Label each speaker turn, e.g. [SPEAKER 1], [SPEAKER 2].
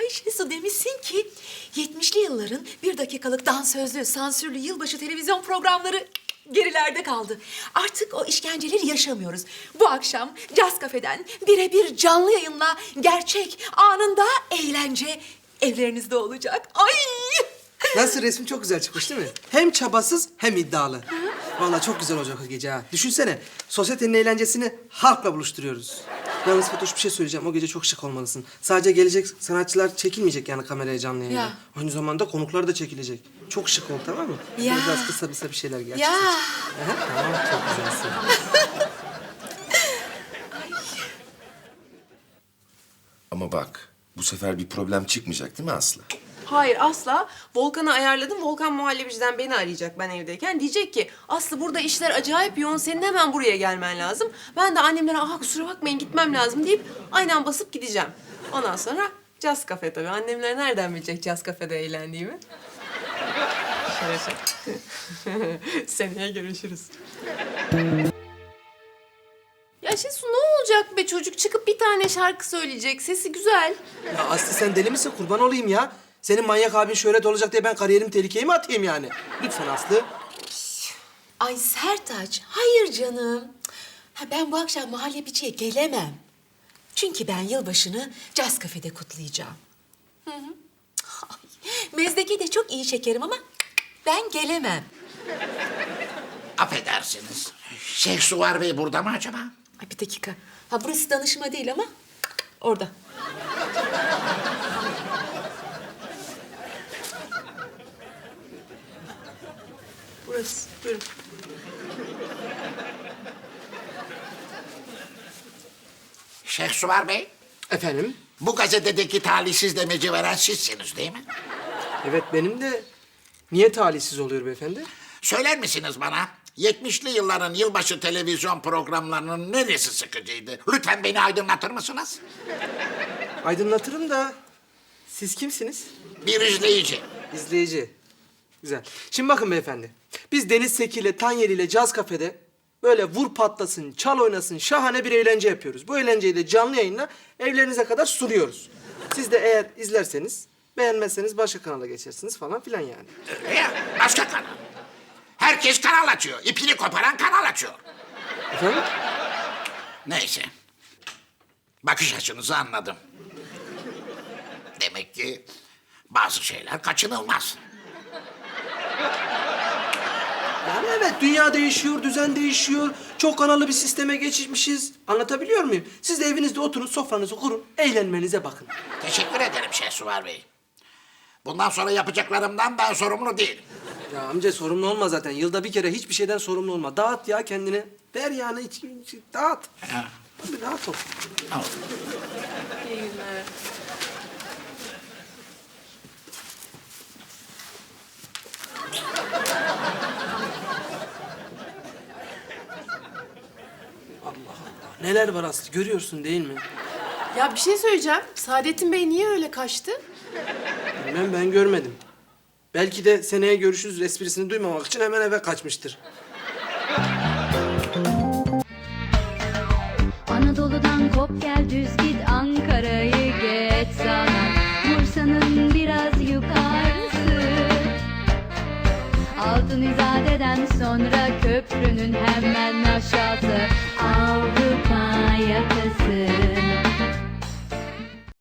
[SPEAKER 1] Ay Şesu, demişsin ki 70'li yılların bir dakikalık dansözlü, sansürlü yılbaşı televizyon programları gerilerde kaldı. Artık o işkenceleri yaşamıyoruz. Bu akşam Caz Cafe'den birebir canlı yayınla gerçek anında eğlence evlerinizde olacak. Ay!
[SPEAKER 2] Nasıl, resmi çok güzel çıkmış değil mi? Hem çabasız hem iddialı. Vallahi çok güzel olacak o gece ha. Düşünsene, sosyetenin eğlencesini halkla buluşturuyoruz. Yalnız Fatoş, bir şey söyleyeceğim. O gece çok şık olmalısın. Sadece gelecek sanatçılar çekilmeyecek yani kameraya canlı yayında.
[SPEAKER 1] Ya.
[SPEAKER 2] Aynı zamanda konuklar da çekilecek. Çok şık ol, tamam mı?
[SPEAKER 1] Ya.
[SPEAKER 2] Biraz kısa bir şeyler gerçekten.
[SPEAKER 1] Ya!
[SPEAKER 2] Tamam, çok güzelsin.
[SPEAKER 3] Ama bak, bu sefer bir problem çıkmayacak değil mi Aslı?
[SPEAKER 4] Hayır asla. Volkan'ı ayarladım. Volkan muhallebiciden beni arayacak ben evdeyken. Diyecek ki Aslı burada işler acayip yoğun. Senin hemen buraya gelmen lazım. Ben de annemlere kusura bakmayın gitmem lazım deyip aynen basıp gideceğim. Ondan sonra Caz Cafe tabii. Annemler nereden bilecek Caz Cafe'de eğlendiğimi? Şöyle. Seneye görüşürüz. Ya Şesu, ne olacak be çocuk? Çıkıp bir tane şarkı söyleyecek. Sesi güzel.
[SPEAKER 2] Ya Aslı, sen deli misin? Kurban olayım ya. Senin manyak abin şöhret olacak diye ben kariyerimi tehlikeye mi atayım yani? Lütfen Aslı.
[SPEAKER 1] Ay Sertaç, hayır canım. Ha, ben bu akşam muhallebiciye gelemem. Çünkü ben yılbaşını Caz Cafe'de kutlayacağım. Hı hı. Ay, mezdeki de çok iyi şekerim ama ben gelemem.
[SPEAKER 5] Affedersiniz. Şeyh Suvar Bey burada mı acaba?
[SPEAKER 1] Ay bir dakika. Ha, burası danışma değil ama orada.
[SPEAKER 4] Burası. Buyurun.
[SPEAKER 5] Şeyh Suvar Bey,
[SPEAKER 2] Efendim?
[SPEAKER 5] bu gazetedeki talihsiz demeci veren sizsiniz değil mi?
[SPEAKER 2] Evet, benim de. Niye talihsiz oluyor beyefendi?
[SPEAKER 5] Söyler misiniz bana? 70'li yılların yılbaşı televizyon programlarının neresi sıkıcıydı? Lütfen beni aydınlatır mısınız?
[SPEAKER 2] Aydınlatırım da siz kimsiniz?
[SPEAKER 5] Bir izleyici.
[SPEAKER 2] İzleyici. Güzel. Şimdi bakın beyefendi. Biz Deniz Seki ile Tanyeli ile Caz Cafe'de böyle vur patlasın, çal oynasın şahane bir eğlence yapıyoruz. Bu eğlenceyi de canlı yayınla evlerinize kadar sunuyoruz. Siz de eğer izlerseniz, beğenmezseniz başka kanala geçersiniz falan filan yani.
[SPEAKER 5] Ya, başka kanal. Herkes kanal açıyor. İpini koparan kanal açıyor.
[SPEAKER 2] Efendim?
[SPEAKER 5] Neyse. Bakış açınızı anladım. Demek ki bazı şeyler kaçınılmaz.
[SPEAKER 2] Yani evet, dünya değişiyor, düzen değişiyor. Çok kanalı bir sisteme geçmişiz. Anlatabiliyor muyum? Siz de evinizde oturun, sofranızı kurun, eğlenmenize bakın.
[SPEAKER 5] Teşekkür ederim Şeyh Suvar Bey. Bundan sonra yapacaklarımdan ben sorumlu değilim.
[SPEAKER 2] Ya amca, sorumlu olma zaten. Yılda bir kere hiçbir şeyden sorumlu olma. Dağıt ya kendini. Ver yani, dağıt.
[SPEAKER 5] Ha,
[SPEAKER 2] Tabii dağıt ol.
[SPEAKER 5] tamam.
[SPEAKER 4] İyi günler.
[SPEAKER 2] Neler var Aslı, görüyorsun değil mi?
[SPEAKER 4] Ya bir şey söyleyeceğim. Saadettin Bey niye öyle kaçtı?
[SPEAKER 2] Bilmem, ben görmedim. Belki de seneye görüşürüz esprisini duymamak için hemen eve kaçmıştır.
[SPEAKER 6] Anadolu'dan kop gel düz git, Ankara'yı geç sana, Bursa'nın biraz yukarısı. Altın İzade'den sonra köprünün hemen aşağısı, Avrupa yakası.